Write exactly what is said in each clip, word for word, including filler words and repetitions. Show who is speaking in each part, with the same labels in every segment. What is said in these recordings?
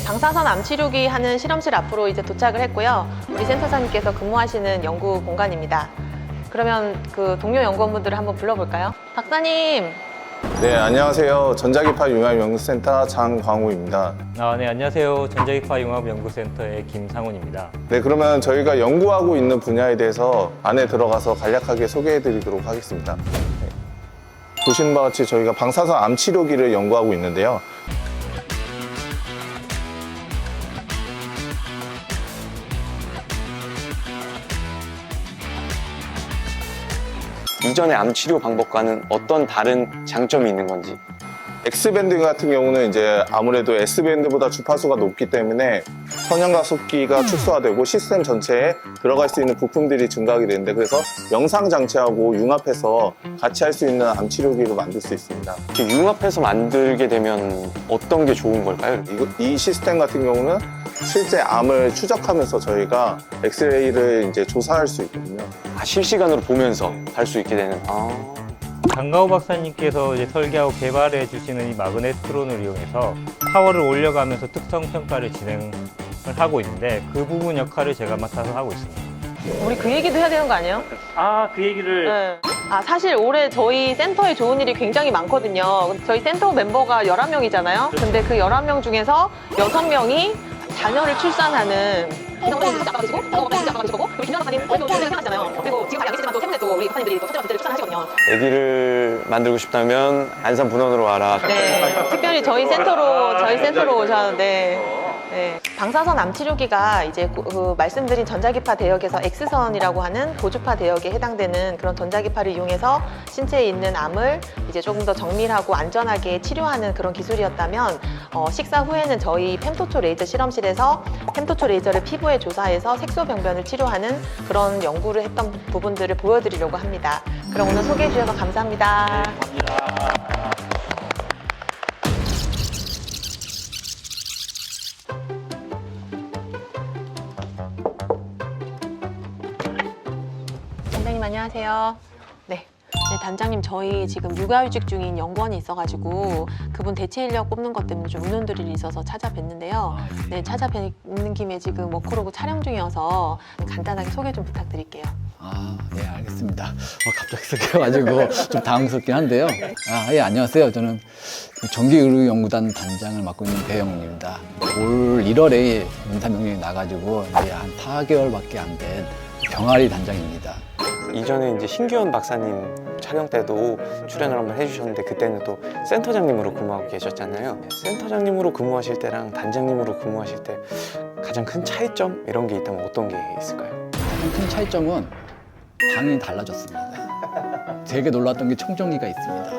Speaker 1: 방사선 암 치료기 하는 실험실 앞으로 이제 도착을 했고요. 우리 센터장님께서 근무하시는 연구 공간입니다. 그러면 그 동료 연구원분들을 한번 불러볼까요? 박사님!
Speaker 2: 네, 안녕하세요. 전자기파 융합연구센터 장광우입니다.
Speaker 3: 아, 네, 안녕하세요. 전자기파 융합연구센터의 김상훈입니다.
Speaker 2: 네, 그러면 저희가 연구하고 있는 분야에 대해서 안에 들어가서 간략하게 소개해 드리도록 하겠습니다. 네. 보시는 바와 같이 저희가 방사선 암 치료기를 연구하고 있는데요.
Speaker 4: 이전의 암 치료 방법과는 어떤 다른 장점이 있는 건지.
Speaker 2: X밴드 같은 경우는 이제 아무래도 S밴드보다 주파수가 높기 때문에 선형과 속기가 축소화되고 시스템 전체에 들어갈 수 있는 부품들이 증가하게 되는데, 그래서 영상 장치하고 융합해서 같이 할 수 있는 암 치료기로 만들 수 있습니다.
Speaker 4: 이렇게 융합해서 만들게 되면 어떤 게 좋은 걸까요?
Speaker 2: 이거- 이 시스템 같은 경우는 실제 암을 추적하면서 저희가 엑스레이를 이제 조사할 수 있거든요.
Speaker 4: 아, 실시간으로 보면서 할 수 있게 되는. 아.
Speaker 3: 장가호 박사님께서 이제 설계하고 개발해 주시는 이 마그네트론을 이용해서 파워를 올려가면서 특성 평가를 진행을 하고 있는데, 그 부분 역할을 제가 맡아서 하고 있습니다.
Speaker 1: 우리 그 얘기도 해야 되는 거 아니에요?
Speaker 3: 아, 그 얘기를
Speaker 1: 네. 아, 사실 올해 저희 센터에 좋은 일이 굉장히 많거든요. 저희 센터 멤버가 열한 명이잖아요. 근데 그 열한 명 중에서 여섯 명이 자녀를 출산하는 김정은 진짜 아빠가 계시고, 장가호 진짜 아빠가 계시고, 그리고 김정은 박사님 오늘도 오늘 생하시잖아요. 그리고 지금 잘 안 계시지만 또 세분의 또 우리 박사님들이 또 첫째와 둘째를 출산하시거든요.
Speaker 4: 아기를 만들고 싶다면 안산 분원으로 와라.
Speaker 1: 네, 특별히 저희 센터로 저희 센터로 오셨는데, 네, 방사선 암 치료기가 이제 그, 그 말씀드린 전자기파 대역에서 X선이라고 하는 고주파 대역에 해당되는 그런 전자기파를 이용해서 신체에 있는 암을 이제 조금 더 정밀하고 안전하게 치료하는 그런 기술이었다면, 어, 식사 후에는 저희 펜토초 레이저 실험실에서 펜토초 레이저를 피부에 조사해서 색소병변을 치료하는 그런 연구를 했던 부분들을 보여드리려고 합니다. 그럼 오늘 소개해 주셔서 감사합니다. 단장님 안녕하세요. 네. 네, 단장님 저희 지금 육아휴직 중인 연구원이 있어가지고 그분 대체 인력 뽑는 것 때문에 좀 의논드릴 일이 있어서 찾아뵀는데요. 네, 찾아뵙는 김에 지금 워크로그 촬영 중이어서 간단하게 소개 좀 부탁드릴게요.
Speaker 5: 아, 예, 알겠습니다. 어, 갑자기 생겨가지고 좀 당황스럽긴 한데요. 아, 예, 안녕하세요. 저는 전기의료연구단 단장을 맡고 있는 배영웅입니다. 올 일월에 연타 명령이 나가지고 이제 한 사 개월밖에 안 된 병아리 단장입니다.
Speaker 4: 이전에 이제 신규현 박사님 촬영 때도 출연을 한번 해주셨는데, 그때는 또 센터장님으로 근무하고 계셨잖아요. 센터장님으로 근무하실 때랑 단장님으로 근무하실 때 가장 큰 차이점 이런 게 있다면 어떤 게 있을까요?
Speaker 5: 가장 큰 차이점은 방이 달라졌습니다. 되게 놀랐던 게 청정기가 있습니다.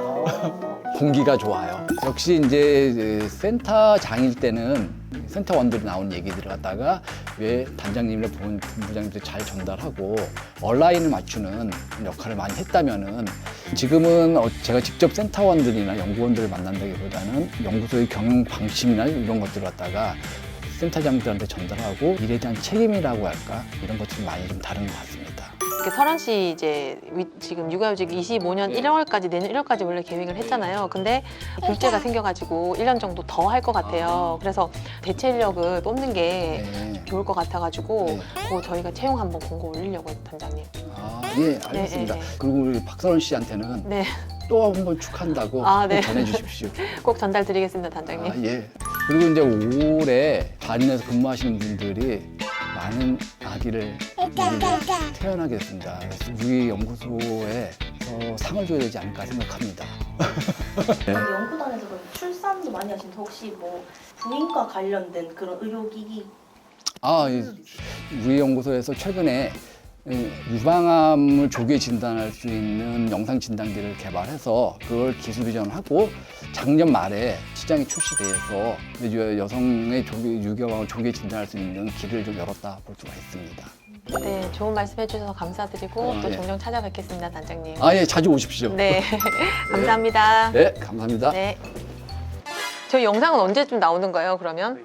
Speaker 5: 공기가 좋아요. 역시 이제 센터장일 때는 센터원들이 나온 얘기들을 갖다가 왜 단장님이나 본부장님들이 잘 전달하고 온라인을 맞추는 역할을 많이 했다면은, 지금은 제가 직접 센터원들이나 연구원들을 만난다기보다는 연구소의 경영 방침이나 이런 것들을 갖다가 센터장들한테 전달하고 일에 대한 책임이라고 할까, 이런 것들이 많이 좀 다른 것 같습니다.
Speaker 1: 이렇게 설원 씨 이제 위- 지금 육아휴직 이십오 년 일월까지 내년 일월까지 원래 계획을 했잖아요. 근데 둘째가 생겨가지고 일 년 정도 더 할 것 같아요. 그래서 대체 인력을 뽑는 게
Speaker 5: 네.
Speaker 1: 좋을 것 같아가지고
Speaker 5: 네.
Speaker 1: 그거 저희가 채용 한번 공고 올리려고요, 단장님.
Speaker 5: 아, 예, 알겠습니다.
Speaker 1: 네, 네, 네.
Speaker 5: 그리고 우리 박선원 씨한테는
Speaker 1: 네,
Speaker 5: 또 한 번 축하한다고
Speaker 1: 아, 네.
Speaker 5: 꼭 전해주십시오.
Speaker 1: 꼭 전달드리겠습니다, 단장님.
Speaker 5: 아, 예. 그리고 이제 올해 발인에서 근무하시는 분들이 많은 아기를 태어나게 됐습니다. 그래서 우리 연구소에 어, 상을 줘야 되지 않을까 생각합니다.
Speaker 6: 연구단에서 그럼 출산도 많이 하시는데 혹시 뭐 부인과 관련된 그런 의료기기
Speaker 5: 아, 이- 우리 연구소에서 최근에 이 유방암을 조기에 진단할 수 있는 영상 진단기를 개발해서 그걸 기술 이전하고 작년 말에 시장에 출시돼서 이제 여성의 조기, 유방암을 조기에 진단할 수 있는 길을 좀 열었다 볼 수가 있습니다.
Speaker 1: 네, 좋은 말씀 해주셔서 감사드리고
Speaker 5: 아,
Speaker 1: 또
Speaker 5: 예.
Speaker 1: 종종 찾아뵙겠습니다, 단장님.
Speaker 5: 아, 예, 자주 오십시오.
Speaker 1: 네, 감사합니다.
Speaker 5: 네, 감사합니다.
Speaker 1: 네. 저희 영상은 언제쯤 나오는 거예요, 그러면?